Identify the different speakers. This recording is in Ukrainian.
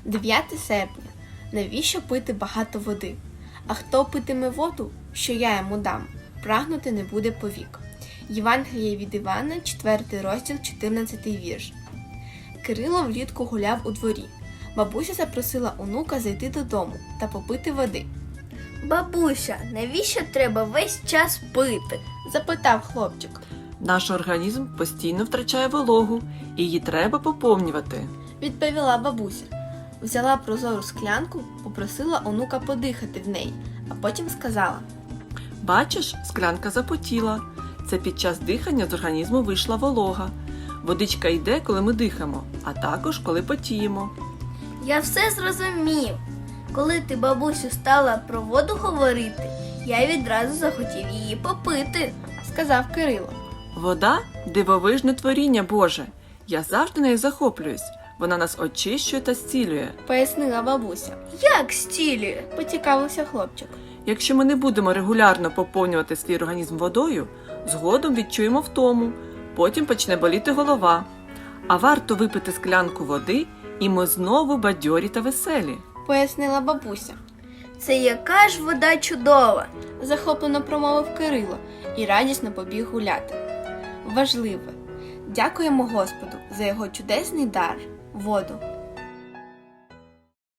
Speaker 1: 9 серпня. Навіщо пити багато води? А хто питиме воду, що я йому дам, прагнути не буде повік. Євангеліє від Івана, 4 розділ, 14 вірш. Кирило влітку гуляв у дворі. Бабуся запросила онука зайти додому та попити води.
Speaker 2: Бабуся, навіщо треба весь час пити?
Speaker 1: Запитав хлопчик.
Speaker 3: Наш організм постійно втрачає вологу, і її треба поповнювати.
Speaker 1: Відповіла бабуся. Взяла прозору склянку, попросила онука подихати в неї, а потім сказала.
Speaker 3: Бачиш, склянка запотіла. Це під час дихання з організму вийшла волога. Водичка йде, коли ми дихаємо, а також коли потіємо.
Speaker 2: Я все зрозумів. Коли ти, бабусю, стала про воду говорити, я відразу захотів її попити.
Speaker 1: Сказав Кирило.
Speaker 3: Вода – дивовижне творіння Боже. Я завжди нею захоплююсь. Вона нас очищує та зцілює.
Speaker 1: Пояснила бабуся.
Speaker 2: Як стілює?
Speaker 1: Поцікавився хлопчик.
Speaker 3: Якщо ми не будемо регулярно поповнювати свій організм водою, згодом відчуємо втому, потім почне боліти голова. А варто випити склянку води, і ми знову бадьорі та веселі.
Speaker 1: Пояснила бабуся.
Speaker 2: Це яка ж вода чудова!
Speaker 1: Захоплено промовив Кирило і радісно побіг гуляти. Важливе. Дякуємо Господу за його чудесний дар – воду.